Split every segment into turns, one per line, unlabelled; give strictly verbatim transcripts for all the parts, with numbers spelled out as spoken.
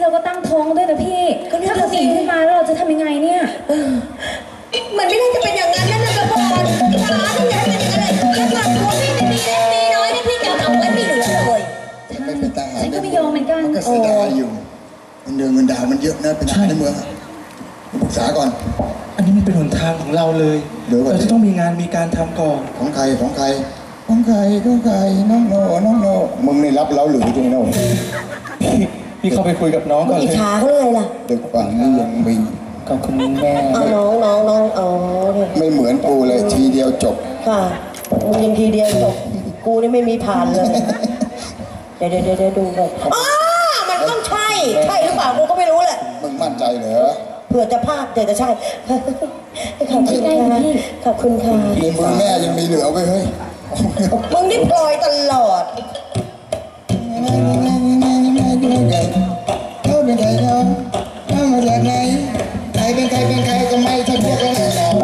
เราก็ตั้งท้องด้วยนะพี่ถ้าเขาหนีขึ้นมาแล้วเราจะทำยังไงเนี่ย
มันไม่ได้จะเป็นอย่างนั้นนะนะกระพรขาที่ไหนเป็นอย่างไรถ้าเกิดตัวพี่ไม่มีเล็กมีน้อยนี่พี่จะเอาไว้ไม่เหลือเลย
ไม่เป็นทหาร
ฉันก็ไม่ยอมเหมือนกัน
มันก็เสียดายอยู่เงินเดือนเงินดาวมันเยอะนะเป็นทหารในเมืองปรึกษาก่อน
อันนี้มันเป็นหนทางของเราเลยเราจะต้องมีงานมีการทำก่อน
ของใครของใครของใครของใครน้องโนน้องโนมึงในรับเราหรือจริงโน
พี่เข้าไปคุยกับน้องก่อนเลย
อิจฉาเขาเลยล่ะ
เด็กฝั่งนี้ยังมี
ขอบคุณแม่
เอาน้องน้องน้องเอา
ไม่เหมือนกูเลยทีเดียวจบ
ค่ะมึงยังทีเดียวจบกูนี่ไม่มีผ่านเลยเดี๋ยวเดี๋ยวเดี๋ยวดูก่อนอ๋อมันต้องใช่ใช่หรือเปล่ากูก็ไม่รู้แหละ
มึงมั่นใจเหรอ
เผื่อจะพลาดเดี๋ยวจะใช่ขอบคุณค่ะขอบคุณค่ะ
ในมือแม่ยังมีเหลือไว้เฮ้ย
มึงนี่ปล่อยตลอด
เขาเป็นใครเขาเขามาจากไหนใครเป็นใครเป็นใครก็ไม่ใช่พวกเรา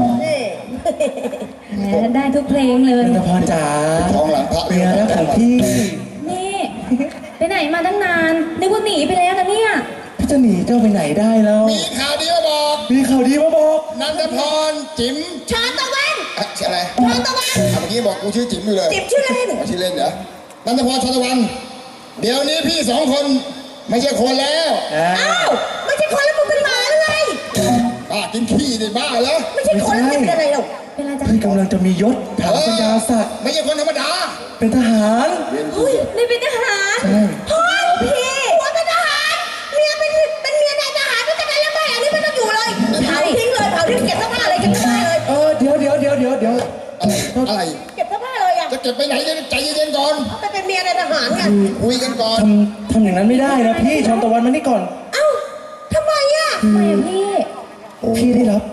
เนี่ยได้ทุกเพลงเลย
นันทพรจ๋า
ท้องหลังพระ
เมียรักของพี่
นี่ไปไหนมาตั้งนานนึกว่าหนีไปแล้วนะเนี่ย
พี่จะหนีเจ้าไปไหนได้แล้ว
มีข่าวดีมาบอก
มีข่าวดีมาบอก
นันทพรจิ๋ม
ชอนตะวัน
ชื่ออะไร
ชอนตะวัน
เมื่อกี้บอกกูชื่อจิ๋มอยู่เลย
จิ๋มชื่อเล่น
ชื่อเล่นเหรอนันทพรชอนตะวันเดี๋ยวนี้พี่สองคนไม่ใช่คนแล้ว
อ้าวไม่ใช่คนแล้วมึงเป็นหมาหรือไง
บ้ากินขี้ดิบ้าเหรอ
ไม่ใช่คนแล้วเป็นอะไรหรอก
เป็นอะไรจ๊ะ
พี่กำลังจะมียศถาบรรดาศักดิ์
ไม่ใช่คนธรรมดา
เป็นทหาร
เฮ้ยนี่เป็นทหาร
พ่อพี่หัวเป็นทหารเมียเป็นเป็นเมียนายทหารไม่จะเป็นแล้วไม่อันนี้ไม่ต้องอยู่เลยเผาทิ้งเลยเผาทิ้งเก็บเสื้อผ้าอะไรเก็บเสื้อผ้าเลย
เออเดี๋ยวเดี๋ยวเดี๋ยวเดี๋ยวเดี๋ยว
อะไรอะไร
เก็บเสื้อผ้าเลยอ่ะ
จะเก็บไปไหนใจเย็นๆก่อน
ไปเป็นเมียนายทหารไง
คุยกันก่อน
ทำทำอย่างนั้นไม่ได้นะพี่ชอนตะวันมานี่ก่อน
เอ้าทำไมอ่ะ
ทำไมพี่
พี่ได้รับ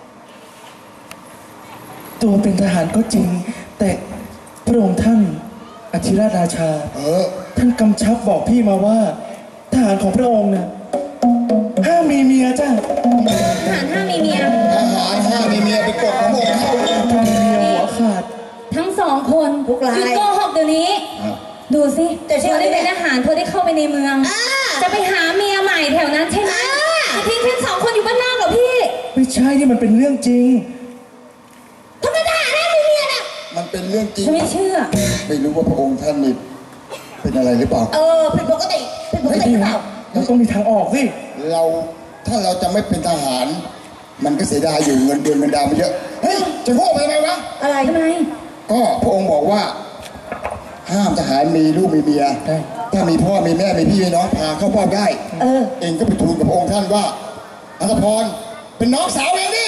ตัวเป็นทหารก็จริงแต่พระองค์ท่านอธิราชราชาท่านกำชับบอกพี่มาว่าทหารของพระองค์เนี่ยห้ามมีเมียจ้ะ
ทหารห้ามมีเมีย
ทหารห้ามมีเมียไปกดของพระองค์เข้า
ถ้ามีเมียหัวขาด
ทั้งสองคน
ทุกราย
โกหกเดี๋ยวนี้ดูสิแต่เธอได้เป็นทหารเธอได้เข้าไปในเมืองจะไปหาเมียใหม่แถวนั้นใช่ไหมจะทิ้งฉันสองคนอยู่บ้านนอกเหรอพี่
ไม่ใช่นี่มันเป็นเรื่องจริง
ทำไมทหารได้มีเมียน่ะ
มันเป็นเรื่องจริง
ไม่เชื่อ
ไม่รู้ว่าพระองค์ท่านนี่เป็นอะไรหรือเปล่า
เออผิดปกติผิดปกติหรือเปล่า
เราต้องมีทางออกสิ
เราถ้าเราจะไม่เป็นทหารมันก็เสียดายอยู่เงินเดือนเงินดาวมันเยอะเฮ้ยจะโง่ไปทำไมวะ
อะไร
ทำไม
ก็พระองค์บอกว่าห้ามทหารมีลูกมีเมียถ้ามีพ่อมีแม่มีพี่มีน้องพาเข้าเฝ้าได้เออเองก็ไปทูลกับพระองค์ท่านว่าอัศพรเป็นน้องสาวเองดิ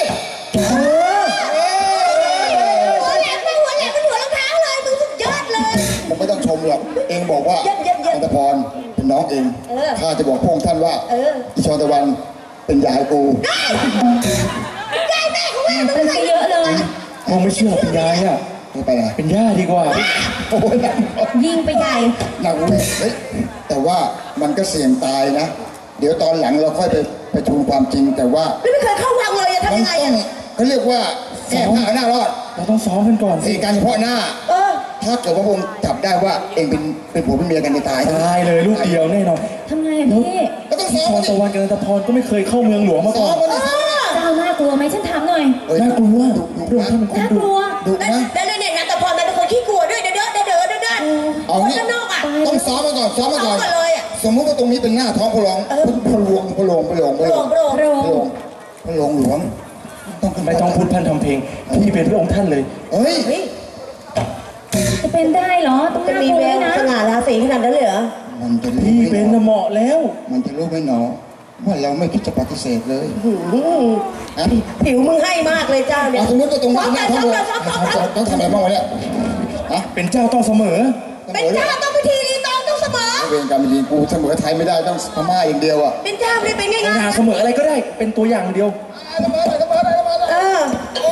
หัวแหลมหัวแหลมเป็นหัวรองเท้าเลยมึงสุดยอดเลย
มึงไม่ต้องชมหรอกเองบอกว่าอัศพรเป็นน้องเองข้าจะบอกพระองค์ท่านว่าอีชอนตะวันเป็นยายกู
ยายแม่ของแม่มึง
เยอะเลย
มึงไม่เชื่อเป็นยายอ่ะ
ไปไหน
เป็นย่าดีกว่า
โอ้ย
ยิงไปใหญ่
หนักเลยเฮ้ยแต่ว่ามันก็เสี่ยงตายนะเดี๋ยวตอนหลังเราค่อยไปไปทูลความจริงแต่ว่า
ไม่เคยเข้าวังเลยทำยังไงอ่ะ
เขาเรียกว่าแก้ผ้าหน้ารอด
เราต้องซ้อมกันก่อน
สิการเฉพาะหน้าถ้าเกิดว่าพระองค์จับได้ว่าเองเป็นเป็นผัวเป็นเมียกันจะตาย
ตายเลยลูกเดียวแน่นอน
ทำไงอ่ะพี่
ก็ต้องซ้อม
ตะวันกับนันทพรก็ไม่เคยเข้าเมืองหลวงมาก่อน
เจ้าน่ากลัวไหมฉันถามหน่อย
น่ากลัวพระองค์ท่านเป็นคนดุ
ดุนะ
แล้วเนี่ยนันทพรมันเป็นคนขี้กลัวด้วยเด้อเด้อเด้อเด้อเด้อ
เอางี้ต้องซ้อมมาก่อนซ้อมมาก่อนสมมติว่าตรงนี้เป็นหน้าท้องพระหลวงพระหลวงพระหลวงพระหลวงพระหลวง
พระหลวง
พระหลวงหลวง
ไม่ต้องพูดพันทำเพลงพี่เป็นพระองค์ท่านเลย
เฮ้ย
จะเป็นได้เหรอต้องน่ากลัวนะ
สง่าราศีขนาดนั้นเลยเหรอ
มันจะ
พี่เป็นเหมาะแล้ว
มันจะรู้ไหมหนอว่าเราไม่คิดจะปฏิเสธเลย
ผิวมึงให้มากเลยเจ้าเนี่ย
สมมติว่าตรงนี้หน้าท้องต้องทำอะไรบ้างวะเนี่ย
เป็นเจ้าต้องเสมอ
เป็นเจ้าต้องพิธีรีตองต้องเสมอ
เวรกรรมดีกูเสมอไทยไม่ได้ต้องพม่าอย่างเดียวอ่ะ
เป็นเจ้าไม่เป็นง่าย
ๆเสมออะไรก็ได้เป็นตัวอย่างเดียว
เออ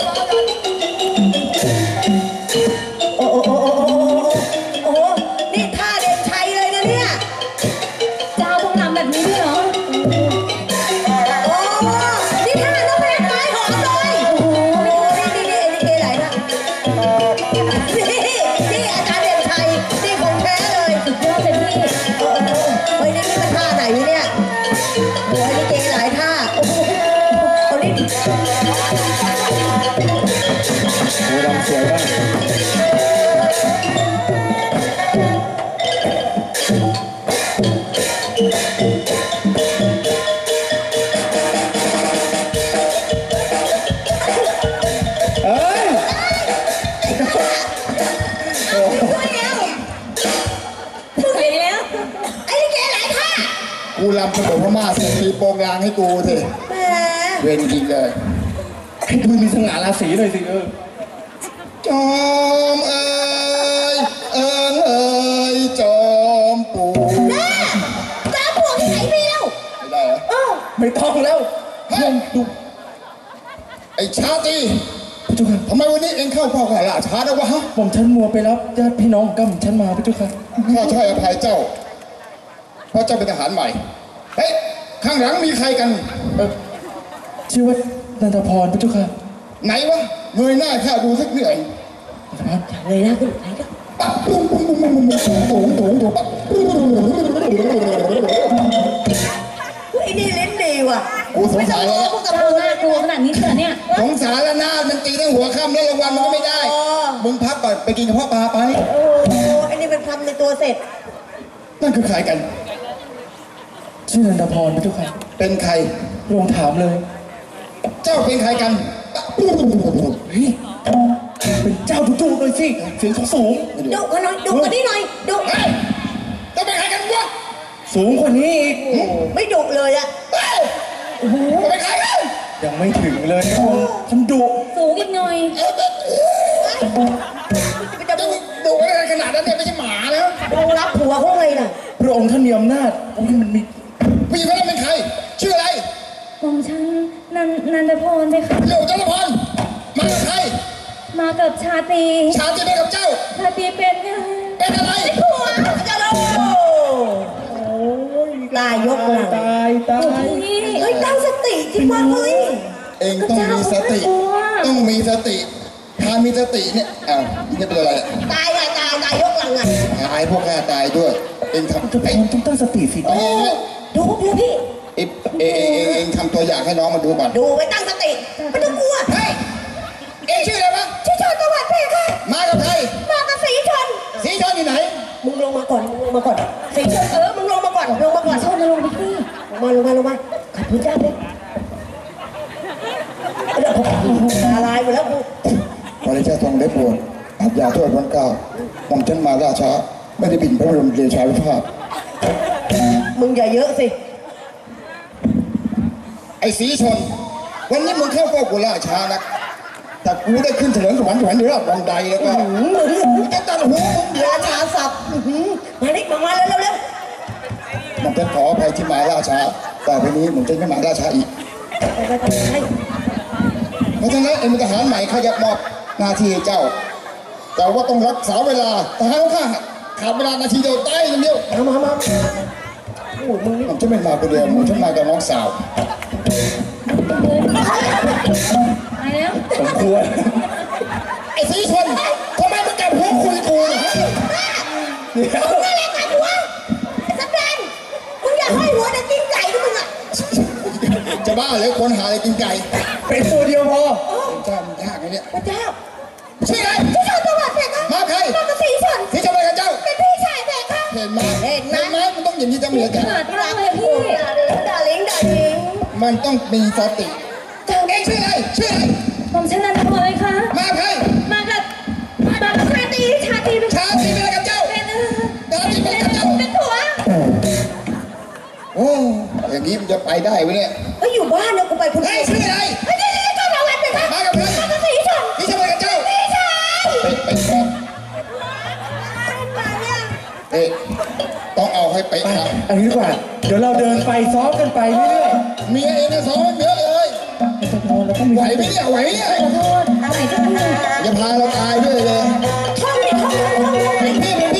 โอ้โอ้โอ้โอ้โอ้นี่ท่าเด่นชัยเลยนะเนี่ย
เจ้าต้องทำแบบนี้ด้วยเหรอ
โอ้นี่ท่าต้องแพ้ไม้หอมเลยโอ้โหนี่นี่นี่นี่ไหนนะนี่นี่อาจารย์เด่นชัยนี่ของแท้เลย
สุดยอดเลยพี่
เฮ้ยนี่นี่มันท่าไหนเนี่ย
สวยมากเอ้ย
ไปแล้ว
ไอ้ลิเกหลายท่า
กูรำขนมพม่าเสร็จตีโปงลางให้กูสิ
แหม
เวรจริงเลย
ให้มึงมีสง่าราศีหน่อยสิเออ
จอมเอ๋ยเอิงเอ๋ยจอมปู่
แม่จ้าพวกที่ไหนมีแล้ว
ไม่ได้เหรอ
เออ
ไม่ต้องแล้วเรื่องดู
ไอ้ชาตรี
พระเจ้าค่ะ
ทำไมวันนี้เองเข้าเฝ้าข้าราชาแล้ววะฮะ
ผมฉันมัวไปรับญาติพี่น้องของกัมฉันมาพระเจ้าค่ะ
ข้าช่วยอภัยเจ้า เพราะเจ้าเป็นทหารใหม่ เฮ้ย ข้างหลังมีใครกัน
เออชื่อว่านันทพรพระเจ้าค่ะ
ไหนวะเงยหน้าข้าดูสักเหนื่อย
นันทพร
เลยนะคุณไหนก็
ปั๊บปุ้งปุ้งปุ้งปุ้งปุ้งปุ้งปุ้งปุ้งปุ้งปั๊บปุ้งปุ้งปุ้งปุ้งปุ้งปุ้งปุ้ง
ไอ้นี่เล่นดีว่ะ
กูสงสัยแล้ว
พวกกับ
เจ้า
ปู
น่ากลัวขนาดนี้เถอะเนี่ย
สงสารแล้วนะมันตีตั้งหัวค่ำแล้วรางวัลมันก็ไม่ได้ มึงพักก่อนไปกินกระเพาะปลาไป
โอ้โหไอ้นี่เป็นคำในตัวเสร็จ
นั่นคือใครกัน
ชื่อนันทพรพระเจ้าค่ะ
เป็นใคร
พระองค์ถามเลย
เจ้าเป็นใครกัน
เฮ้ยเป็นเจ้าดุๆหน่อยสิเสียงสูง
ดุกันหน่อยดุกันนี่หน่อยดุ
เฮ้ยเจ้าเป็นใครกันวะ
ๆสูงกว่านี้อีก
ไม่ดุเลยอะ
เฮ้ยเจ้าเป็นใครกัน
ยังไม่ถึงเลยพระองค์ฉันดุ
สูงอีกหน่อย
เอ้ยเอ้ยเอ้ย
มันจะ
เจ้า
ดุ
ดูอะไรขนาดนั้นเนี่ยไม่ใช่หมาแล้ว
ลงรับผัวเขาเลยน่ะ
พระองค์ท่านมีอำนาจโอ้ยมันมี
ผู้หญิงคนนั้นเป็นใคร ชื่ออะไร
หม่อมฉันนันนันทพรไปค่ะ
เร็วเจ้าละพรมากับใคร
มากับชาตรี
ชาติไปกับเจ้า
ชาตรีเป็นไง
เป็นอะไร
ผัวจะโดนตายยกหลัง
ตายตาย
พี่
เฮ้ยตั้งสติที่ว่าเฮ้ย
เองต้องมีสติ ต้องมีสติ ถ้ามีสติเนี่ย อ้าวนี่เป็นอะไรอะ
ตายอะตายตายยกหลังอะ
ตายพวกข้าตายด้วย เองทำ
ทุกค
ไอ้
นต้องตั้งสติสิ
เอ้ย
ดูดูพี่
เอ้ยเอ้ยเอ้ยเอ้ยเองทำตัวอย่างให้น้องมาดูก่อน
ดูไว้ตั้งสติไม่ต้องกลัว
เฮ้ย เองชื่ออะไรวะ
ชื่อชนจังหวัดเพชรค่ะ
มากับใคร
มากับสีชน
สีชนอยู่ไหน
มึงลงมาก่อนมึงลงมาก่อนสีชนเออมึงลงมาก่อนลงมาก่อน
ชนมาลงไปที่
ลงมาลงมาลงมาขอบคุณเจ้าเลยเดี๋ยวผมตาลายหมดแล้วกู
ขอได้เจ้าทองเล็บโปรดอาบยาโทษวันเก้าหม่อมฉันมาล่าช้า ไม่ได้บินพระบรมเดชานุภาพ
มึงอย่าเยอะสิ
ไอ้สีชน วันนี้มึงเข้าเฝ้ากูล่าช้านักแต่กูได้ขึ้นเถลิงสวรรค์สวรรค์อยู่รอบวังใดแล้วก็กูจะตัดหัวมึงเดี๋ยว
ราชาศัพท์อื้อหือมาดิมามาเร็วเร็วเร็ว
หม่อมฉันขออภัยที่มาล่าช้าต่อไปนี้หม่อมฉันไม่มาล่าช้าอีก
ไปไปไปไป
เพราะฉะนั้นเอ็งเป็นทหารใหม่ข้าจะมอบหน้าที่ให้เจ้า แต่ว่าต้องรักษาเวลาทหารของข้าขาดเวลานาทีเดียวตายอย่างเดียว
มามามาโอ้มึงนี่
ผมจะไม่มาคนเดียวผมจะมากับน้องสาว
ไปแล้ว
สมควร
ไอ้สีชนทำไมมึงกลับหัวคุยกูเนี่ยฮะ
เดี๋ยว
มึงอะไรกันหัวไอ้สแตนมึงอย่าห้อยหัวนะกินไก่ด้วยมึงอ่ะ
จะบ้าเลยคนหาอะไรกินไก่
เป็นตัวเดียวพอ
เป็นเจ้ามันยากนะเนี่ย
พระเจ้า
ชื่ออะไร
ที่ชนจังหวัดเพชรค่ะ
มาใคร
มากับสีชน
ที่จะไปกับเจ้า
เป็นพี่ชายเพชรค่ะ
เห็นไหมเห็นไหมมันต้องอย่างนี้จะเหมือน
ข
กัน
นาดนั้นเลยพี่
ดาลิงดาลิง
มันต้องมีสติเองชื่ออะไรชื่ออะไร
หม่อมฉันนันทพรเลยค่ะ
มาใคร
มากับมากับชาตรีชาตรีเป็น
ชาติเป็นอะไรกับเจ้า
เป็นเออ
ชาติเป็นกับเจ้า
เป็นผัว
โอ้อย่างนี้มันจะไปได้ไหมเนี่ย
เฮ้ยอยู่บ้านเนี่ยกูไปคนเดี
เฮ้
ย
ยว ชื่ออะไร
เฮ้ยนี่นี่ก็มาวันเพชรค่ะ
มากับใคร
มากับสีชน
ที่จะไปกับเจ้า
พี่ชาย
ไปไปก่อน
มาเนี่ย
เอ๊ะต้องเอาให้ไปครับ
อันนี้ดีกว่า เดี๋ยวเราเดินไปซ้อมกันไปเรื่อย
เมียเองนะสอนเยอะเลย
ๆนันทพรเราต้องมี
ไหวไหมเนี่ยไหวไหมเนี่ย
ขอโทษอะไรเจ้าค่ะ
อย่าพาเราตายด้วยเลย
ท่องดิท่องดิท่องดิ
พี่มึง